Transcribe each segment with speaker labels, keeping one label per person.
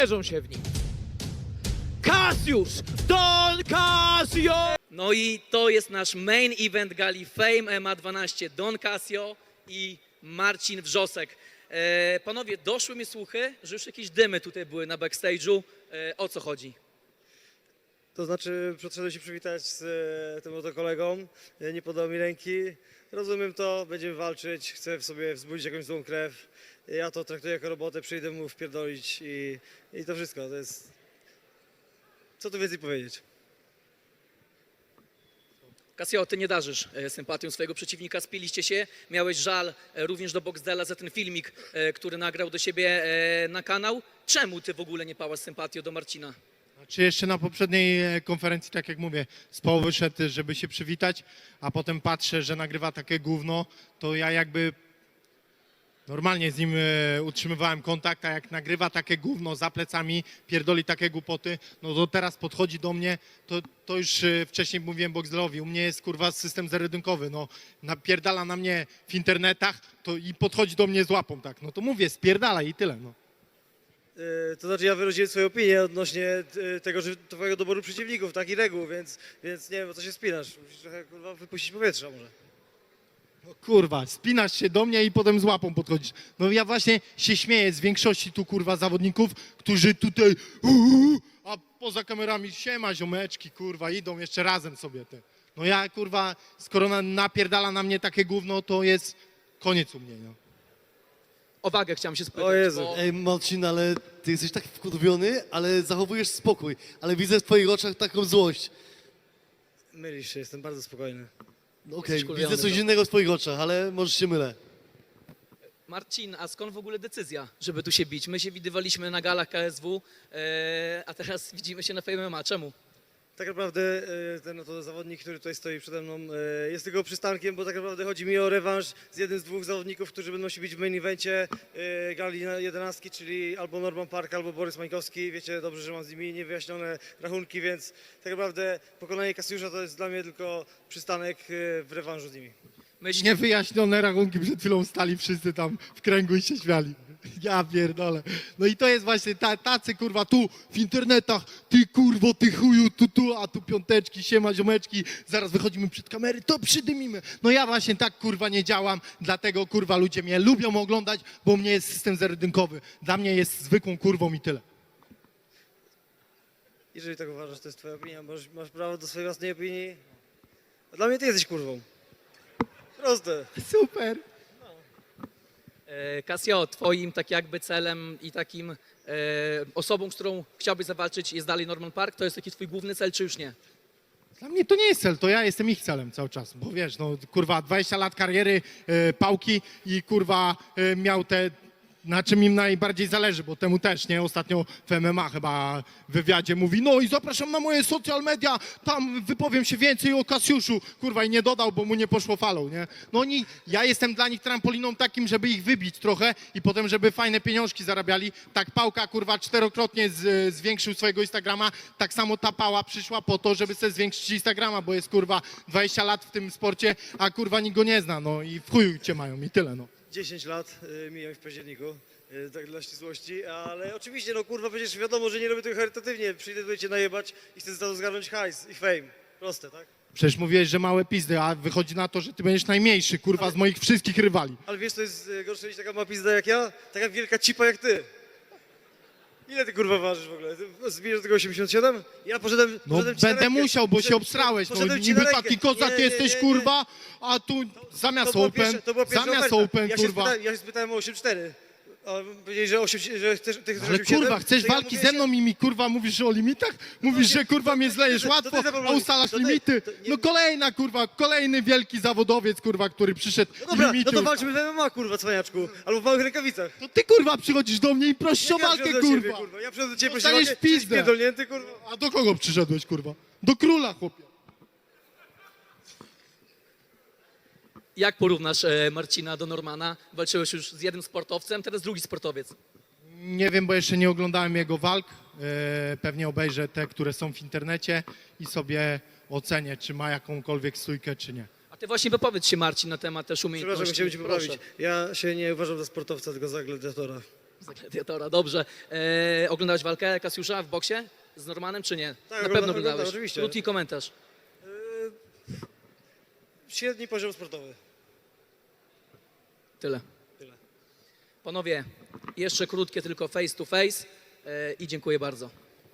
Speaker 1: Leżą się w nim. Cassiusz! Don Casio!
Speaker 2: No i to jest nasz main event gali Fame MMA 12. Don Casio i Marcin Wrzosek. Panowie, doszły mi słuchy, że już jakieś dymy tutaj były na backstage'u. O co chodzi?
Speaker 3: To znaczy, przyszedłem się przywitać z tym oto kolegą, nie podał mi ręki. Rozumiem to, będziemy walczyć, chcę w sobie wzbudzić jakąś złą krew. Ja to traktuję jako robotę, przyjdę mu wpierdolić i to wszystko. To jest... Co tu więcej powiedzieć?
Speaker 2: Casio, ty nie darzysz sympatią swojego przeciwnika, spiliście się, miałeś żal również do Boxdela za ten filmik, który nagrał do siebie na kanał. Czemu ty w ogóle nie pałasz sympatią do Marcina?
Speaker 4: Czy jeszcze na poprzedniej konferencji, tak jak mówię, z połowy szedł, żeby się przywitać, a potem patrzę, że nagrywa takie gówno, to ja jakby normalnie z nim utrzymywałem kontakt, a jak nagrywa takie gówno za plecami, pierdoli takie głupoty, no to teraz podchodzi do mnie, to już wcześniej mówiłem Boxdelowi, u mnie jest kurwa system zerodynkowy, no napierdala na mnie w internetach to i podchodzi do mnie z łapą, tak, no to mówię, spierdala i tyle, no.
Speaker 3: To znaczy, ja wyraziłem swoją opinię odnośnie tego, że twojego doboru przeciwników, tak i reguł, więc nie wiem, o co się spinasz. Musisz trochę kurwa wypuścić powietrza może.
Speaker 4: No kurwa, spinasz się do mnie i potem z łapą podchodzisz. No ja właśnie się śmieję z większości tu kurwa zawodników, którzy tutaj a poza kamerami siema ziomeczki kurwa, idą jeszcze razem sobie te. No ja kurwa, skoro napierdala na mnie takie gówno, to jest koniec u mnie, no.
Speaker 2: O wagę chciałem się spytać.
Speaker 3: O Jezu.
Speaker 2: Bo...
Speaker 5: Ej, Marcin, ale ty jesteś tak wkurwiony, ale zachowujesz spokój. Ale widzę w twoich oczach taką złość.
Speaker 3: Mylisz się, jestem bardzo spokojny.
Speaker 5: No okej,
Speaker 2: Jesteś wkurwiony,
Speaker 5: widzę coś
Speaker 2: no.
Speaker 5: innego w twoich oczach, ale może się mylę.
Speaker 2: Marcin, a skąd w ogóle decyzja, żeby tu się bić? My się widywaliśmy na galach KSW, a teraz widzimy się na Fame MMA. Czemu?
Speaker 3: Tak naprawdę ten oto zawodnik, który tutaj stoi przede mną, jest tylko przystankiem, bo tak naprawdę chodzi mi o rewanż z jednym z dwóch zawodników, którzy będą się bić w main evencie gali 11, czyli albo Norman Park, albo Borys Mańkowski. Wiecie dobrze, że mam z nimi niewyjaśnione rachunki, więc tak naprawdę pokonanie Cassiusza to jest dla mnie tylko przystanek w rewanżu z nimi.
Speaker 4: Niewyjaśnione rachunki przed chwilą stali wszyscy tam w kręgu i się śmiali. Ja pierdolę. No i to jest właśnie tacy kurwa tu w internetach, ty kurwo, ty chuju, tu, a tu piąteczki, siema ziomeczki, zaraz wychodzimy przed kamery, to przydymimy. No ja właśnie tak kurwa nie działam, dlatego kurwa ludzie mnie lubią oglądać, bo u mnie jest system zerodynkowy. Dla mnie jest zwykłą kurwą i tyle.
Speaker 3: Jeżeli tak uważasz, to jest twoja opinia, masz prawo do swojej własnej opinii. A dla mnie ty jesteś kurwą. Proste.
Speaker 4: Super.
Speaker 2: Casio, twoim tak jakby celem i takim osobą, z którą chciałbyś zawalczyć jest dalej Norman Park? To jest taki twój główny cel, czy już nie?
Speaker 4: Dla mnie to nie jest cel, to ja jestem ich celem cały czas, bo wiesz, no kurwa 20 lat kariery pałki i kurwa miał te, na czym im najbardziej zależy, bo temu też, nie? Ostatnio w MMA chyba w wywiadzie mówi, no i zapraszam na moje social media, tam wypowiem się więcej o Cassiuszu, kurwa i nie dodał, bo mu nie poszło falą, nie? No oni, ja jestem dla nich trampoliną takim, żeby ich wybić trochę i potem, żeby fajne pieniążki zarabiali. Tak Pałka, kurwa, 4-krotnie zwiększył swojego Instagrama, tak samo ta Pała przyszła po to, żeby sobie zwiększyć Instagrama, bo jest, kurwa, 20 lat w tym sporcie, a kurwa nikt go nie zna, no i w chuju cię mają i tyle, no.
Speaker 3: 10 lat mijam w październiku, tak dla ścisłości, ale oczywiście, no kurwa, przecież wiadomo, że nie robię tego charytatywnie. Przyjdę tutaj cię najebać i chcę za to zgarnąć hajs i fame. Proste, tak?
Speaker 4: Przecież mówiłeś, że małe pizdy, a wychodzi na to, że ty będziesz najmniejszy, kurwa, z moich wszystkich rywali.
Speaker 3: Ale wiesz, to jest gorsze niż taka mała pizda jak ja? Taka wielka cipa jak ty. Ile ty kurwa ważysz w ogóle? Ty zbijesz do tego 87? Ja poszedłem
Speaker 4: No
Speaker 3: poszedłem ci na
Speaker 4: będę
Speaker 3: rękę.
Speaker 4: musiał, bo się
Speaker 3: Poszedłem-
Speaker 4: obsrałeś, no
Speaker 3: poszedłem ci
Speaker 4: niby
Speaker 3: na rękę.
Speaker 4: taki kozak
Speaker 3: Nie,
Speaker 4: jesteś,
Speaker 3: nie.
Speaker 4: kurwa, a tu zamiast open,
Speaker 3: To była pierwsza
Speaker 4: zamiast
Speaker 3: oferta.
Speaker 4: open,
Speaker 3: Ja się
Speaker 4: kurwa.
Speaker 3: spytałem, ja się spytałem o 8,4. A powiedzieli, że, 8, że chcesz, ty chcesz
Speaker 4: Ale
Speaker 3: 8,7?
Speaker 4: kurwa, chcesz
Speaker 3: To ja
Speaker 4: walki
Speaker 3: mówię,
Speaker 4: ze mną i mi kurwa mówisz o limitach? Mówisz, że kurwa mnie zlejesz
Speaker 3: to
Speaker 4: łatwo,
Speaker 3: ty
Speaker 4: a
Speaker 3: zaproponuj.
Speaker 4: ustalasz
Speaker 3: To ty-
Speaker 4: limity.
Speaker 3: to nie-
Speaker 4: No kolejna kurwa, kolejny wielki zawodowiec kurwa, który przyszedł
Speaker 3: No dobra,
Speaker 4: limity.
Speaker 3: no to walczymy w MMA, kurwa, cwaniaczku. Albo w małych rękawicach.
Speaker 4: To ty kurwa przychodzisz do mnie i prosisz o
Speaker 3: Ja
Speaker 4: walkę,
Speaker 3: przychodzę do ciebie,
Speaker 4: kurwa.
Speaker 3: Ja przychodzę do ciebie, proszę
Speaker 4: Dostaniesz
Speaker 3: walkę,
Speaker 4: w pizdę.
Speaker 3: spierdolnięty, kurwa.
Speaker 4: A do kogo przyszedłeś, kurwa? Do króla, chłopie.
Speaker 2: Jak porównasz Marcina do Normana? Walczyłeś już z jednym sportowcem, teraz drugi sportowiec.
Speaker 4: Nie wiem, bo jeszcze nie oglądałem jego walk. Pewnie obejrzę te, które są w internecie i sobie ocenię, czy ma jakąkolwiek stójkę, czy nie.
Speaker 2: A ty właśnie wypowiedz się, Marcin, na temat też
Speaker 3: Przepraszam,
Speaker 2: umiejętności.
Speaker 3: chciałem cię
Speaker 2: Proszę.
Speaker 3: poprawić. Ja się nie uważam za sportowca, tylko za gladiatora.
Speaker 2: Za gladiatora, dobrze. Oglądałeś walkę Kasiusza w boksie z Normanem, czy nie?
Speaker 3: Tak,
Speaker 2: Na pewno
Speaker 3: oglądałem,
Speaker 2: oglądałeś.
Speaker 3: oczywiście.
Speaker 2: Krótki komentarz.
Speaker 3: Średni poziom sportowy.
Speaker 2: Tyle.
Speaker 3: Tyle.
Speaker 2: Panowie, jeszcze krótkie tylko face to face i dziękuję bardzo.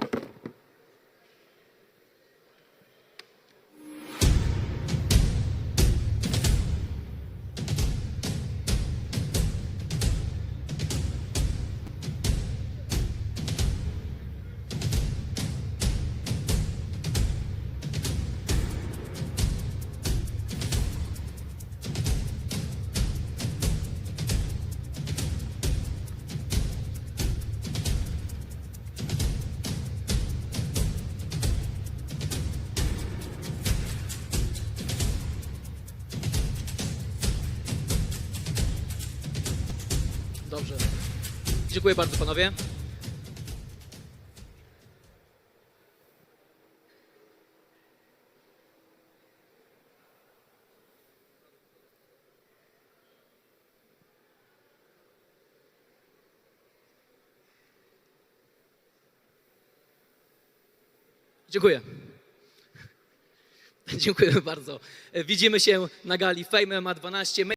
Speaker 2: Dobrze. Dziękuję bardzo, panowie. Dziękuję. Dziękuję bardzo. Widzimy się na gali Fame MMA 12.